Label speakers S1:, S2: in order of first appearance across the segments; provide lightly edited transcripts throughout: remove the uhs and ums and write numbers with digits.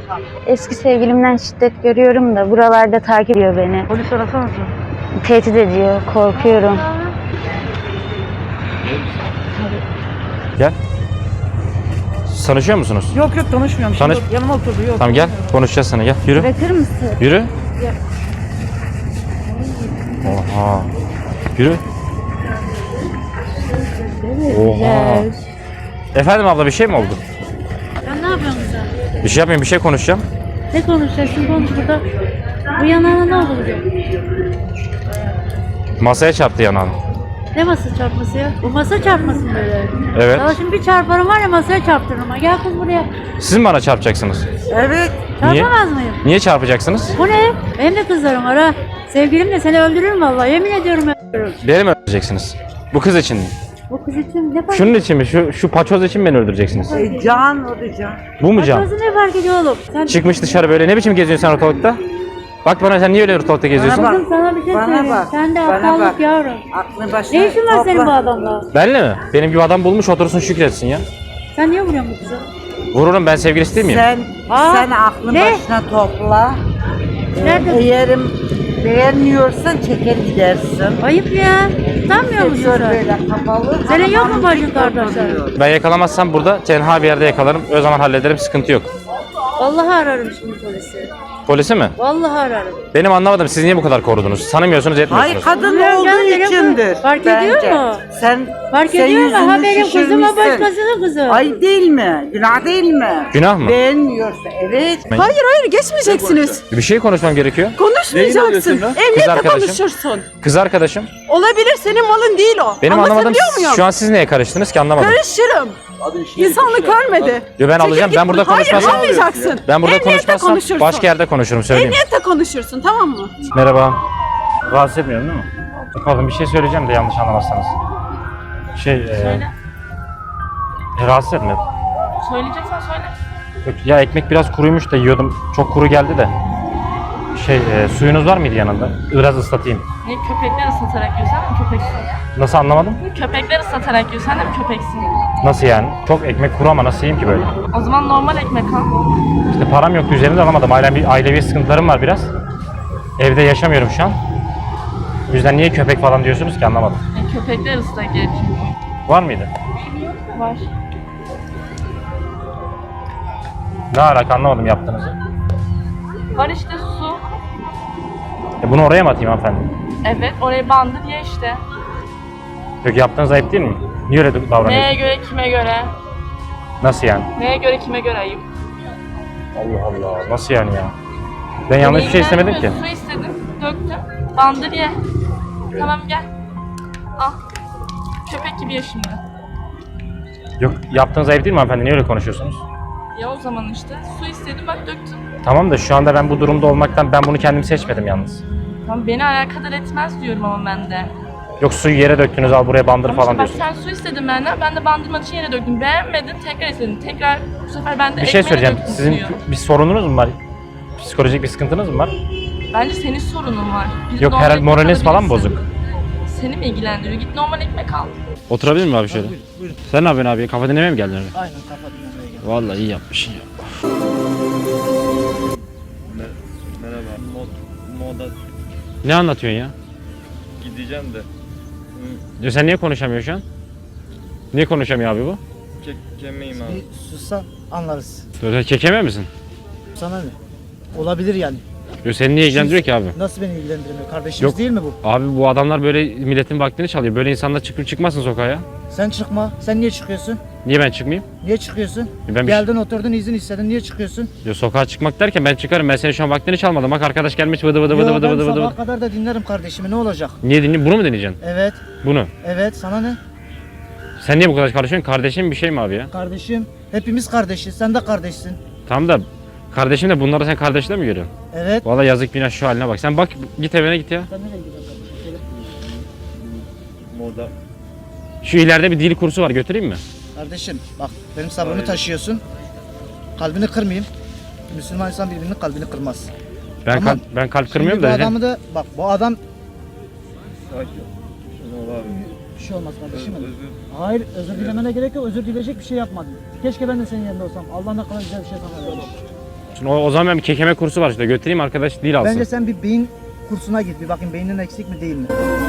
S1: Eski sevgilimden şiddet görüyorum da buralarda takip ediyor beni.
S2: Polis arasanız mı?
S1: Tehdit ediyor, korkuyorum.
S3: Gel. Tanışıyor musunuz?
S2: Yok yok tanışmıyorum.
S3: Tanış-
S2: Şimdi yanıma oturdu yok.
S3: Tamam gel, konuşacağız sana, gel. Yürü.
S1: Bırakır mısın?
S3: Yürü. Oha. Yürü. Oha. Efendim abla, bir şey mi oldu?
S4: Sen ne yapıyorsun sen?
S3: Bir şey yapmayayım, bir şey konuşacağım.
S4: Ne konuşacaksın? Konuş burada. Bu yanağına ne oldu bugün?
S3: Masaya çarptı yanağım.
S4: Ne masa çarpması ya? Bu masa çarpması mı böyle?
S3: Evet.
S4: Sana şimdi bir çarparım var ya masaya çarptırırım ama. Gel kız buraya.
S3: Siz mi bana çarpacaksınız?
S2: Evet.
S3: Niye?
S4: Çarpamaz mıyım?
S3: Niye çarpacaksınız?
S4: Bu ne? Benim de kızlarım var ha. Sevgilim de seni öldürürüm vallahi. Yemin ediyorum öldürürüm.
S3: Beni mi öldüreceksiniz? Bu kız için mi?
S4: Bu kız için ne fark
S3: Şunun için mi? Şu paçoz için mi beni öldüreceksiniz?
S2: Can o da can.
S3: Bu mu can?
S4: Başkası ne fark ediyor oğlum? Sen
S3: Çıkmış dışarı böyle. Ne biçim geziyorsun sen ortalıkta? Bak bana, sen niye öyle ortalıkta geziyorsun?
S2: Bana
S4: kızım sana bir şey
S2: Bana
S4: söyleyeyim.
S2: bak,
S4: Sen de
S2: bana
S4: aptallık
S2: bak.
S4: yavrum.
S2: Aklını başına
S4: Ne işin var senin bu
S2: topla.
S4: adamla?
S3: Benle mi? Benim gibi adam bulmuş, otursun şükretsin ya.
S4: Sen niye vuruyorsun bu kızı?
S3: Vururum, ben sevgilisi değil miyim?
S2: Sen aklını
S4: ne?
S2: başına topla.
S4: Nerede?
S2: Eğer beğenmiyorsan çeker gidersin.
S4: Ayıp ya. Utanmıyor musun
S2: Seviyor
S4: sen?
S2: böyle kapalı.
S4: Senin yok mu
S2: Hanım
S4: bacın
S2: dik
S4: kardeşler?
S2: oturuyor.
S3: Ben yakalamazsam burada tenha bir yerde yakalarım. O zaman hallederim, sıkıntı yok.
S4: Vallahi ararım şimdi polisi.
S3: Polisi mi?
S4: Vallahi ararım.
S3: Benim anlamadım, siz niye bu kadar korudunuz? Tanımıyorsunuz, etmiyorsunuz.
S2: Hayır, kadın
S4: Bilmiyorum
S2: olduğu
S4: canım, benim
S2: içindir.
S4: fark ediyor mu?
S2: Sen
S4: Fark
S2: sen
S4: ediyor mu? Ha
S2: yüzünü
S4: benim kızım o
S2: şişirmişsin.
S4: başkasının kızı.
S2: Ay değil mi? Günah değil mi?
S3: Günah mı?
S2: Beğenmiyorsa evet.
S5: Hayır hayır geçmeyeceksiniz.
S3: Bir şey konuşmam gerekiyor.
S5: Konuşmayacaksın.
S3: Kız
S5: Emniyette
S3: arkadaşım.
S5: konuşursun.
S3: Kız arkadaşım.
S5: Olabilir, senin malın değil o.
S3: Benim anlamadım,
S5: Anlatabiliyor muyum?
S3: şu an siz neye karıştınız ki, anlamadım.
S5: Karışırım. İnsanlık ölmedi.
S3: Yo, ben alacağım,
S5: Çekil
S3: ben burada
S5: git. Hayır
S3: konuşmazsam.
S5: almayacaksın.
S3: Ben burada
S5: Emniyette
S3: konuşmazsam
S5: konuşursun.
S3: başka yerde konuşurum, söyleyeyim.
S5: Emniyette konuşursun, tamam mı?
S3: Merhaba. Rahatsız etmiyorum değil mi? Pardon, bir şey söyleyeceğim de yanlış anlamazsanız. Rahatsız etmedim.
S6: Söyleyeceksen söyle.
S3: Yok, ya ekmek biraz kuruymuş da yiyordum. Çok kuru geldi de. Suyunuz var mıydı yanında? Biraz ıslatayım.
S6: Ne köpekler ıslatarak yiyorsan da mı köpeksin?
S3: Nasıl, anlamadım?
S6: Köpekler ıslatarak yiyorsan da mı köpeksin?
S3: Nasıl yani? Çok ekmek kuru ama nasıl yiyeyim ki böyle?
S6: O zaman normal ekmek al.
S3: İşte param yoktu, üzerinde alamadım. Ailevi sıkıntılarım var biraz. Evde yaşamıyorum şu an. O yüzden niye köpek falan diyorsunuz ki, anlamadım.
S6: Köpekler ıslak yer çünkü.
S3: Var mıydı?
S6: Var.
S3: Ne alaka, anlamadım yaptığınızı.
S6: Var işte su.
S3: Bunu oraya mı atayım hanımefendi?
S6: Evet orayı bandır ye işte.
S3: Yok, yaptığınız ayıp değil mi? Niye öyle
S6: Neye
S3: davranıyorsunuz?
S6: göre kime göre?
S3: Nasıl yani?
S6: Neye göre kime göre ayıp?
S3: Allah Allah, nasıl yani ya? Ben yanlış bir şey istemedim ki.
S6: Su istedim, döktüm. Bandır ye. Tamam gel. Al. Köpek gibi ye şimdi.
S3: Yok, yaptığınız ayıp değil mi hanımefendi? Niye öyle konuşuyorsunuz?
S6: Ya o zaman işte. Su istedim bak döktüm.
S3: Tamam da şu anda ben bu durumda olmaktan ben bunu kendim seçmedim yalnız.
S6: Tamam beni alakadar etmez diyorum ama ben de.
S3: Yok, suyu yere döktünüz, al buraya bandır
S6: Ama
S3: falan
S6: işte bak
S3: diyorsunuz.
S6: sen su istedin benden, ben de bandırmak için yere döktüm. Beğenmedin, tekrar istedin. Tekrar bu sefer ben de
S3: Bir şey
S6: ekmeğe
S3: söyleyeceğim.
S6: döktüm
S3: Sizin
S6: suyu.
S3: bir sorununuz mu var? Psikolojik bir sıkıntınız mı var?
S6: Bence senin sorunun var. Biz
S3: Yok,
S6: normal
S3: herhalde
S6: ekmek
S3: moraliniz falan mı
S6: alabilirsin.
S3: bozuk?
S6: Seni mi ilgilendiriyor? Git normal ekmek al.
S3: Oturabilir miyim abi şöyle?
S2: Buyurun.
S3: Sen ne yapıyorsun abi? Kafa dinlemeye mi geldin öyle?
S2: Aynen kafa dinlemeye geldim.
S3: Vallahi iyi yapmışsın ya.
S7: Merhaba. Moda
S3: Ne anlatıyorsun ya?
S7: gideceğim de.
S3: Ya sen niye konuşamıyorsun şu an? Niye konuşamıyor abi bu?
S7: Kemeyim abi.
S8: Bir sussan anlarız.
S3: Böyle kekeme misin?
S8: Sana ne? Olabilir yani.
S3: Yo, seni niye ilgilendiriyor ki abi?
S8: Nasıl beni ilgilendirmiyor? Kardeşimiz
S3: Yok.
S8: değil mi bu?
S3: Abi bu adamlar böyle milletin vaktini çalıyor. Böyle insanlar çıkmasın sokağa ya.
S8: Sen çıkma. Sen niye çıkıyorsun?
S3: Niye ben çıkmayayım?
S8: Niye çıkıyorsun?
S3: Ben
S8: Geldin oturdun izin istedin. Niye çıkıyorsun?
S3: Yo, sokağa çıkmak derken ben çıkarım. Ben senin şu an vaktini çalmadım. Bak arkadaş gelmiş vıdı vıdı vıdı
S8: Yo,
S3: vıdı
S8: ben
S3: vıdı vıdı.
S8: sabaha kadar da dinlerim kardeşimi. Ne olacak?
S3: Niye dinleyeyim? Bunu mu deneyeceksin?
S8: Evet.
S3: Bunu.
S8: Evet. Sana ne?
S3: Sen niye bu kadar karışıyorsun? Kardeşim bir şey mi abi ya?
S8: Kardeşim. Hepimiz kardeşiz. Sen de kardeşsin.
S3: Tamam da kardeşim de bunları sen kardeşle mi görüyorsun?
S8: Evet.
S3: Vallahi yazık günah şu haline bak. Sen bak, git evine git ya.
S8: Sen nereye gidiyorsun kardeşim?
S7: Moda.
S3: Şu ileride bir dil kursu var, götüreyim mi?
S8: Kardeşim bak benim sabrımı taşıyorsun. Kalbini kırmayayım. Müslüman insan birbirinin kalbini kırmaz.
S3: Ben
S8: Tamam.
S3: ben kalp kırmıyorum
S8: Şimdi
S3: da.
S8: bu adamı da bak bu adam
S7: Sakin. Şunu abi.
S8: bir şey olmaz kardeşim. benim.
S7: Özür.
S8: Hayır özür dilemene gerek yok. Özür dileyecek bir şey yapmadın. Keşke ben de senin yerinde olsam. Allah ne kadar güzel bir şey sana verdi.
S3: Şimdi o zaman ben bir kekeme kursu var işte götüreyim arkadaş dil alsın.
S8: Bence sen bir beyin kursuna git. Bir bakayım beynin eksik mi değil mi?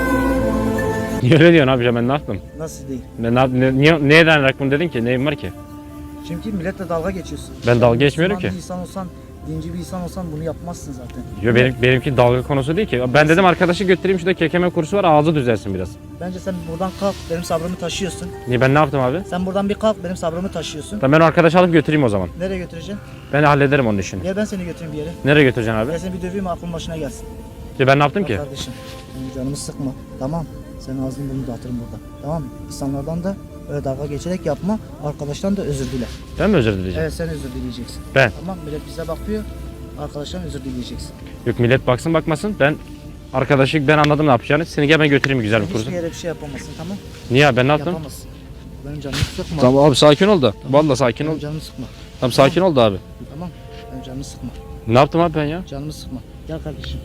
S3: Niye öyle diyorsun abi ben ne yaptım?
S8: Nasıl değil?
S3: Ben neye dayanarak bunu dedin ki? Neyim var ki?
S8: Çünkü milletle dalga geçiyorsun.
S3: Ben dalga geçmiyorum
S8: Müslüman
S3: ki.
S8: bir insan olsan, dinci bir insan olsan bunu yapmazsın zaten.
S3: Yo benimki dalga konusu değil ki. Ben dedim arkadaşı götüreyim şurada kekeme kursu var ağzı düzelsin biraz.
S8: Bence sen buradan kalk, benim sabrımı taşıyorsun.
S3: Niye ben ne yaptım abi?
S8: Sen buradan bir kalk, benim sabrımı taşıyorsun.
S3: Ben o arkadaşı alıp götüreyim o zaman.
S8: Nereye götüreceksin?
S3: Ben hallederim onun işini.
S8: Gel ben seni götüreyim bir yere.
S3: Nereye götüreceksin abi?
S8: Gel seni bir döveyim aklın başına gelsin.
S3: Ya ben ne yaptım
S8: Bak
S3: ki?
S8: kardeşim, benim canımı sıkma. Tamam. Senin ağzını burnunu dağıtırım burada. Tamam mı? İnsanlardan da öyle dalga geçerek yapma. Arkadaştan da özür dile.
S3: Ben mi özür dileyeceğim?
S8: Evet sen özür dileyeceksin.
S3: Ben.
S8: Tamam millet bize bakıyor. Arkadaştan özür dileyeceksin.
S3: Yok millet baksın bakmasın. Ben arkadaşı ben anladım ne yapacağını. Seni gel ben götüreyim güzel bir kursa.
S8: Hiçbir yere bir şey yapamazsın tamam?
S3: Niye abi ben ne yaptım?
S8: Yapamazsın. Benim canımı sıkma.
S3: Tamam abi sakin ol da. Vallahi sakin ol.
S8: Benim canımı sıkma.
S3: Tamam sakin ol da abi.
S8: Tamam. Benim canımı sıkma.
S3: Ne yaptım abi ben ya?
S8: Canımı sıkma. Gel kardeşim.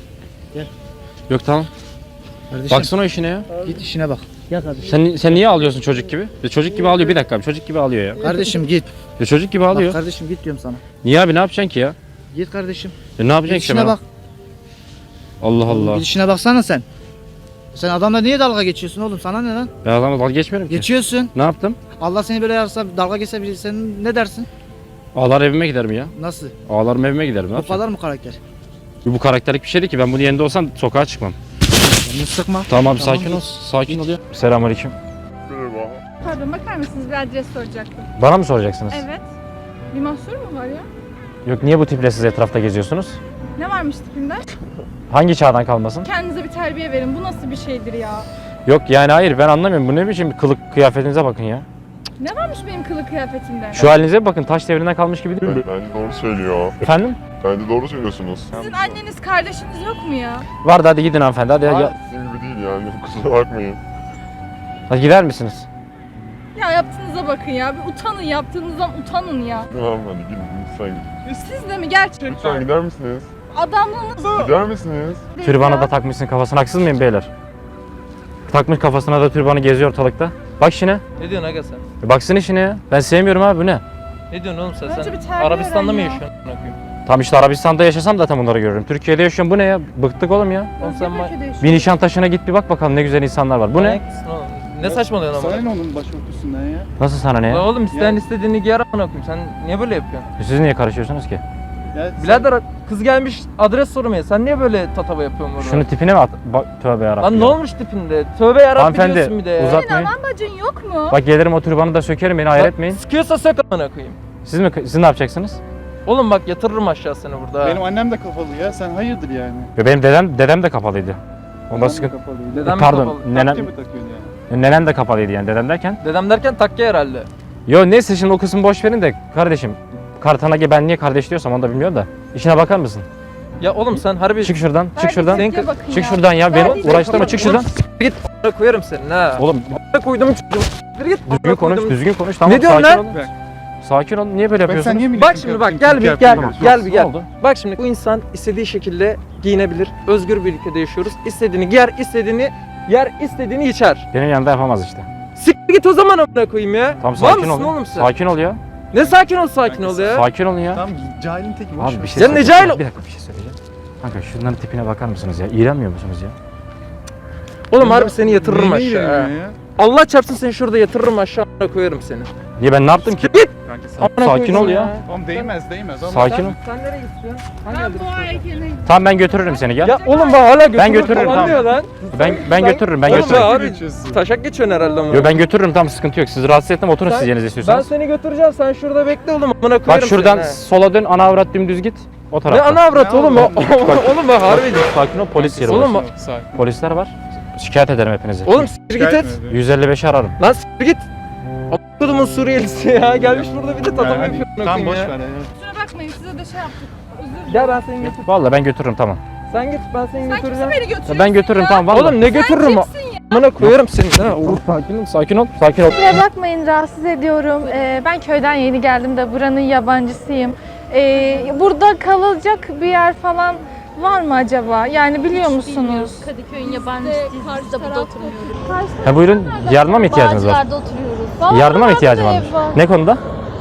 S3: Yok tamam.
S8: Kardeşim.
S3: Baksana o işine ya.
S8: Git işine bak. Gel kardeşim.
S3: Sen niye ağlıyorsun çocuk gibi? Çocuk gibi ağlıyor bir dakika abi. Çocuk gibi ağlıyor ya.
S8: Kardeşim git.
S3: Çocuk gibi
S8: Bak
S3: ağlıyor.
S8: kardeşim git diyorum sana.
S3: Niye abi ne yapacaksın ki ya?
S8: Git kardeşim.
S3: Ne yapacaksın
S8: Git
S3: ki
S8: işine
S3: ben?
S8: bak.
S3: Allah Allah.
S8: Git işine baksana sen. Sen adamla niye dalga geçiyorsun oğlum? Sana ne lan?
S3: Ben adamla dalga geçmiyorum ki.
S8: Geçiyorsun.
S3: Ne yaptım?
S8: Allah seni böyle yarasa dalga geçse biri sen ne dersin?
S3: Ağlar evime giderim ya.
S8: Nasıl?
S3: Ağlarım evime giderim. Ne
S8: Bu
S3: yapacağım?
S8: kadar mı karakter?
S3: Bu karakterlik bir şey değil ki. Ben bunun yerinde olsam sokağa çıkmam.
S8: Canını sıkma.
S3: Tamam abi
S8: Tamam,
S3: sakin ol.
S8: git.
S3: Sakin ol ya. Selamünaleyküm.
S5: Pardon bakar mısınız? Bir adres soracaktım.
S3: Bana mı soracaksınız?
S5: Evet. Bir mahsur mu var ya?
S3: Yok niye bu tiple siz etrafta geziyorsunuz?
S5: Ne varmış tipimde?
S3: Hangi çağdan kalmasın?
S5: Kendinize bir terbiye verin. Bu nasıl bir şeydir ya?
S3: Yok yani hayır ben anlamıyorum. Bu ne biçim kılık kıyafetinize bakın ya.
S5: Ne varmış benim kılık kıyafetimde?
S3: Şu halinize bakın taş devrinden kalmış gibi değil mi?
S9: Bence doğru söylüyor.
S3: Efendim?
S9: Bence doğru söylüyorsunuz.
S5: Sizin anneniz, kardeşiniz yok mu ya?
S3: Vardı hadi gidin hanımefendi hadi. Ya,
S9: Sizin gibi değil yani. Kusura bakmayın.
S3: hadi gider misiniz?
S5: Ya yaptığınıza bakın ya. Bir utanın. Yaptığınızdan utanın ya.
S9: Tamam hadi gidin lütfen gidin.
S5: Siz de mi gerçekten?
S9: Lütfen gider misiniz?
S5: Adamlığınız
S9: Gider misiniz?
S3: Türbanı
S5: ya.
S3: da takmışsın kafasına haksız mıyım beyler? Takmış kafasına da türbanı geziyor ortalıkta. Bak işine.
S10: Ne diyorsun aga sen?
S3: Baksın işine ya. Ben sevmiyorum abi bu ne?
S10: Ne diyorsun oğlum sen?
S5: Önce
S10: Sen
S5: bir terbiye
S10: Arabistan'da mı
S5: öğren ya.
S10: yaşıyorsun? amına koyayım?
S3: Tam işte Arabistan'da yaşasam zaten bunları görürüm. Türkiye'de yaşıyorum bu ne ya? Bıktık oğlum ya.
S10: Oğlum sen
S3: Bir Nişantaşı'na git bir bak bakalım ne güzel insanlar var. Bu ne?
S10: manyak mısın oğlum? Ne saçmalıyorsun ama?
S7: onun başörtüsünden ya?
S3: Nasıl sana ne ya?
S10: Oğlum isteyen istediğini giyer amına koyayım. Sen niye böyle yapıyorsun?
S3: Siz niye karışıyorsunuz ki?
S10: Birader kız gelmiş adres sormaya. Sen niye böyle tatava yapıyorsun burada?
S3: Şunu tipine mi at? Tövbe yarabbim.
S10: Lan ne
S3: ya.
S10: olmuş tipinde? Tövbe yarabbim diyorsun bir
S3: Hanımefendi
S10: de ya.
S3: uzatmayın.
S5: Anan bacın yok mu?
S3: Bak gelirim o türbanı da sökerim beni hayal etmeyin.
S10: Sıkıyorsa sök amına koyayım.
S3: Siz ne yapacaksınız?
S10: Oğlum bak yatırırım aşağı seni burada.
S7: Benim annem de kafalı ya. Sen hayırdır yani?
S3: Ya benim dedem de kapalıydı. Onda sıkıntı.
S10: Dedem mi
S3: Pardon,
S10: kapalı?
S3: nenem,
S7: Takke mi takıyorsun yani?
S3: nenem de kapalıydı yani dedem derken.
S10: Dedem derken takke herhalde.
S3: Yo neyse şimdi o kısmı boş verin de kardeşim. Kartana ben niye kardeş diyorsam onu da bilmiyorum da. İşine bakar mısın?
S10: Ya oğlum sen harbi...
S3: Çık şuradan, çık şuradan.
S5: Terbiyesizliğe bakın
S3: Çık
S5: ya.
S3: şuradan ya beni
S5: Terbiyesizliğe
S3: uğraştırma çık şuradan.
S10: Git a**ına koyarım senin ha.
S3: Oğlum
S10: A**ına koydum çocuğum. Git.
S3: düzgün konuş, düzgün konuş tamam.
S10: Ne diyorsun
S3: sakin
S10: lan?
S3: olun. Sakin ol. Niye böyle
S7: Ben sen
S3: yapıyorsun?
S7: niye
S10: Bak şimdi bak gel bir gel bir
S3: Ne
S10: gel.
S3: oldu?
S10: Bak şimdi bu insan istediği şekilde giyinebilir. Özgür bir ülkede yaşıyoruz. İstediğini giyer, istediğini yer, istediğini içer.
S3: Benim yanında yapamaz işte.
S10: Siktir git o zaman amına koyayım ya.
S3: Tamam
S10: Var
S3: sakin
S10: mısın
S3: ol.
S10: oğlum sen?
S3: Sakin ol ya.
S10: Ne sakin ol ya.
S3: Sakin olun ya.
S7: Tamam cahilin teki boş
S3: Abi
S7: ver.
S3: bir şey
S10: Ya ne
S3: söyleyeceğim.
S10: cahil-
S3: Bir dakika bir şey söyleyeceğim. Kanka şunların tipine bakar mısınız ya? İğrenmiyor musunuz ya?
S10: Oğlum harbi seni yatırırım
S7: Neyine
S10: aşağı. ha.
S7: ilgileniyor ya?
S10: Allah çarpsın seni şurada yatırırım aşağı amına koyarım seni.
S3: Niye ben ne yaptım ki?
S10: Git.
S7: Kanka sen.
S10: Amına
S3: Sakin
S10: koydum
S3: ol ya.
S7: Oğlum değmez ama.
S3: Sakin ol.
S10: Sen nereye gidiyorsun? Hangi
S5: Ben
S10: adrese
S5: bu heykeline
S3: Tamam ben götürürüm seni gel.
S10: Ya oğlum bak hala götürürüm
S3: götürürüm,
S10: falan
S3: tamam.
S10: diyor lan.
S3: Ben götürürüm ben
S10: Oğlum
S3: götürürüm.
S10: abi
S7: geçiyorsun.
S10: taşak geçiyorsun herhalde ama.
S3: Yo ben götürürüm tamam sıkıntı yok. Sizi rahatsız etmem oturun
S10: Sen-
S3: siz yerinize
S10: Ben
S3: istiyorsanız.
S10: seni götüreceğim sen şurada bekle oğlum amına koyarım
S3: Bak şuradan
S10: seni, ha.
S3: sola dön ana avrat dümdüz git. O
S10: Ne
S3: tarafta.
S10: ana avrat
S7: Ne
S10: oğlum
S7: oğlum?
S10: oğlum bak harbi.
S3: Sakin ol polis yeri
S10: Oğlum
S3: burası.
S10: bak-
S7: Sakin.
S3: Polisler var. Şikayet ederim hepinizi.
S10: Oğlum siktir git et.
S3: 155'i ararım.
S10: Lan siktir git. Kodumun Suriyelisi ya gelmiş burada bir de tatava
S7: Yani
S10: yapıyor. amına
S7: Tamam
S10: koyayım
S7: boş
S10: ya.
S7: ver ya.
S5: kusura bakmayın size de şey yaptık. Özür dilerim.
S10: Gel ben seni götür.
S3: Vallahi ben götürürüm tamam.
S10: Sen git ben seni
S5: Sen kimsin
S10: götüreceğim.
S5: beni götürüyorsun
S3: Ben götürürüm
S5: ya?
S3: tamam vallahi.
S10: Oğlum ne götürürüm? Amına koyarım seni. Ha, oğlum.
S3: Sakin ol, sakin ol, sakin ol.
S1: Kusura bakmayın rahatsız ediyorum. Ben köyden yeni geldim de buranın yabancısıyım. Burada kalacak bir yer falan var mı acaba? Yani biliyor musunuz?
S6: Kadıköy'ün yabancısıyız. Biz de burada oturmuyoruz.
S3: Ha buyurun yardıma mı ihtiyacınız var?
S6: Bağcılar'da oturuyoruz.
S3: Yardıma mı ihtiyacım var? Ne konuda?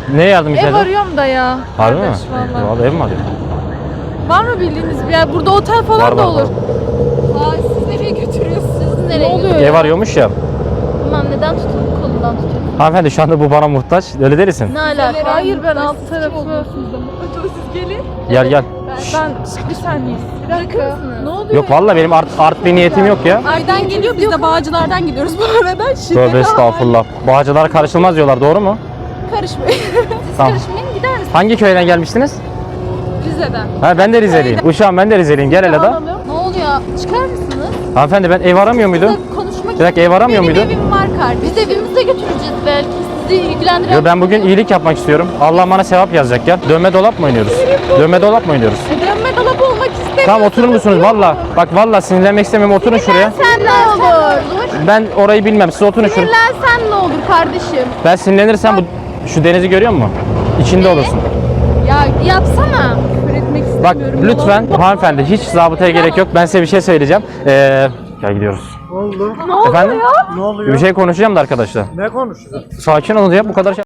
S3: Ne yardımcı
S1: Ev
S3: edin?
S1: arıyorum da ya.
S3: Harbi mi?
S1: Kardeş, vallahi.
S3: Vallahi ev mi arıyor?
S1: Var mı bildiğiniz bir yer? Burada otel falan
S3: Var,
S1: da
S3: var,
S1: olur.
S3: var.
S5: Aa, siz nereye götürüyorsunuz? Siz
S1: Ne
S5: nereye
S1: oluyor
S3: Ev
S1: ya?
S3: arıyormuş ya.
S5: Tamam, neden tutun? Kolundan tutun.
S3: Hanımefendi şu anda bu bana muhtaç. Öyle derisin.
S5: Ne alaka?
S1: Hayır, ben alt tarafı.
S5: Siz gelin.
S3: Gel gel.
S1: Ben bir saniye. Bir dakika. Ne oluyor?
S3: Yok vallahi benim art bir niyetim yok ya.
S5: Aydan geliyor, biz de Bağcılar'dan gidiyoruz bu arada.
S3: Tövbe estağfurullah. Bağcılar karışılmaz diyorlar, doğru mu?
S5: Karışmayın. Siz
S3: Tamam.
S5: karışmayın, gider misiniz?
S3: Hangi köyden gelmiştiniz?
S5: Rize'den.
S3: Ha ben de Rizeliyim. Uşağım ben de Rizeliyim. Gel hele da.
S5: Ne oluyor? Çıkar mısınız?
S3: Hanımefendi ben ev aramıyor muydum?
S5: Konuşmak
S3: Bir dakika, ev aramıyor
S5: Benim
S3: muydu?
S5: evim var kardeşim. Biz evimize götüreceğiz belki. Sizi ilgilendiren...
S3: Yo, ben bugün iyilik yapmak istiyorum. Allah bana sevap yazacak ya. Dönme dolap mı oynuyoruz? Dönme dolap mı oynuyoruz?
S5: Dönme dolabı olmak istemiyorum.
S3: Tamam oturur musunuz? Valla. Bak valla sinirlenmek istemiyorum. Oturun şuraya.
S5: Sen ne olur?
S3: Ben orayı bilmem. Siz oturun şuraya.
S5: Sinirlensen ne olur kardeşim?
S3: Ben sinirlenirsem şu denizi görüyor musun? İçinde olursun.
S5: Ya yapsana.
S3: Bak lütfen hanımefendi hiç zabıtaya gerek yok. Ben size bir şey söyleyeceğim. Gel gidiyoruz.
S8: Ne oldu?
S3: Efendim?
S8: Ne oluyor?
S3: Bir şey konuşacağım da arkadaşlar.
S8: Ne konuşuyorsun?
S3: Sakin olun ya, bu kadar şey.